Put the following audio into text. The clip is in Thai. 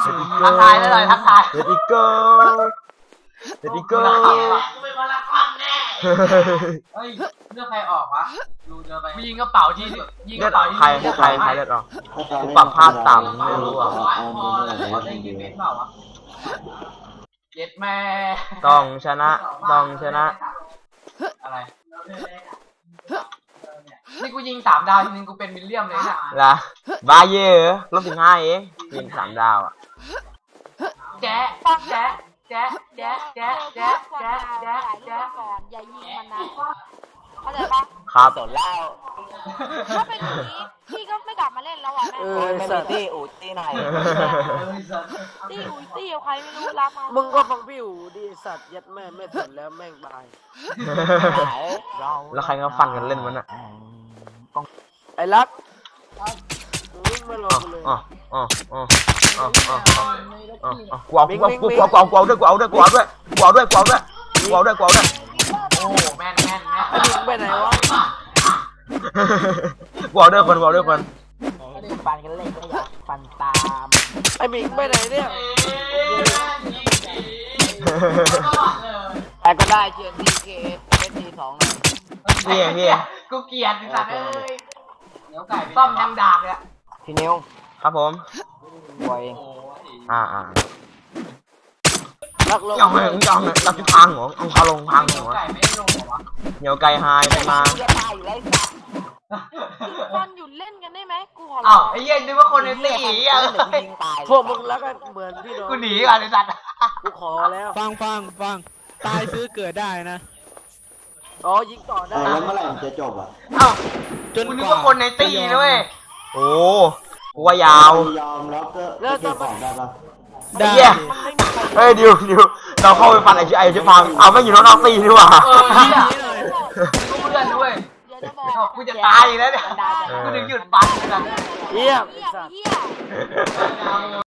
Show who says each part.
Speaker 1: ทักทายเลยทักทาย
Speaker 2: เด็ดอีเกิลเด็ดอีเกิล
Speaker 1: ไม่มาละคำแน่เฮ้ยเลือกใครออกวะดูเจอไปยิงกระเป๋าที่ยิงกระเป๋าที่
Speaker 2: ใครเลือดออกปรับภาพต่ำไม่รู้อ่ะ
Speaker 1: เย็ดแม่
Speaker 2: ต้องชนะ
Speaker 1: อะไรนี่กูยิง3 ดาวทีนึงกูเป็นวิลเลียมเลยน่ะ
Speaker 2: ล่ะบาเย่ลบ15เองยิง3 ดาวอ่ะ
Speaker 1: แจ๊ะแจ๊ะแจ๊ะแจ๊ะแจ๊ะแจ๊ะแจ๊ะแจ๊ะแจ๊ะ
Speaker 3: ก่อนอย่ายิงมันนะเข้าใจปะ
Speaker 2: ครับ
Speaker 4: สนเล่า
Speaker 3: ถ้าเป็นอย่างนี้พี่ก็ไม่กลับมาเล่นแล้วอ่ะแม่
Speaker 4: ไม่มีตี้อูตี้ไหน
Speaker 3: ตี้อุ้ยตี้ใครไม่รู้รับมา
Speaker 5: มึงก็ฟังพี่อูดิสัตว์ยัดแม่ไม่สนแล้วแม่งบาย
Speaker 2: แล้วใครก็ฟันกันเล่นมันอ่ะ
Speaker 5: ไอ้รักวิ่งมาลงเลย
Speaker 2: กูเอาด้วยโ
Speaker 1: อ้แม่น
Speaker 5: ยิงไปไหนวะ
Speaker 2: กูเอาด้วยคน
Speaker 4: ฟันกันเล่นก็อยากฟันตาม
Speaker 5: ไอ้หมิงไปไหนเนี่ย
Speaker 4: แต่ก็ได้เชียร์ทีเกสที2นะ
Speaker 2: พี่
Speaker 1: กูเกลียดไอ้สัตว์เอ้ยเดี๋ยวไก่ต้อมยังดาบเลย
Speaker 4: พี่นิว
Speaker 2: ครับผม
Speaker 4: บอย
Speaker 5: รักลง
Speaker 2: จับที่พังหัวเอาเขาลงพังหัวเหนียวไก่หายไปมา
Speaker 3: คนหยุดเล่นกันได้ไหมกูขอ
Speaker 1: อ้าวไอ้เหี้ยนึกว่าคนในตี
Speaker 5: พวกมึงแล้วกันเหมือนพี่น้อง
Speaker 1: กูหนีก่อนไอ้สัตว์
Speaker 5: กูขอแล้ว
Speaker 6: ฟังตายซื้อเกิดได้นะ
Speaker 5: อ๋อยิงต่อได้
Speaker 4: แล้วเมื่อไหร่จะจบอ่ะ
Speaker 1: อ้าวกูนึกว่าคนในตีด้วย
Speaker 2: โอ้กูว่ายาวย
Speaker 4: อมแล้วก็เก็บของได้ปะ
Speaker 2: ได้เฮ้ยดิวเราเข้าไปฟันไอ้ชื่อพังเอาไม่อยู่น้องตีนี่หว่า
Speaker 1: กูเพื่อนด้วยกูจะตายแล้วเนี่ยกูถึงหยุดปั่นกัน
Speaker 5: เยี่ยม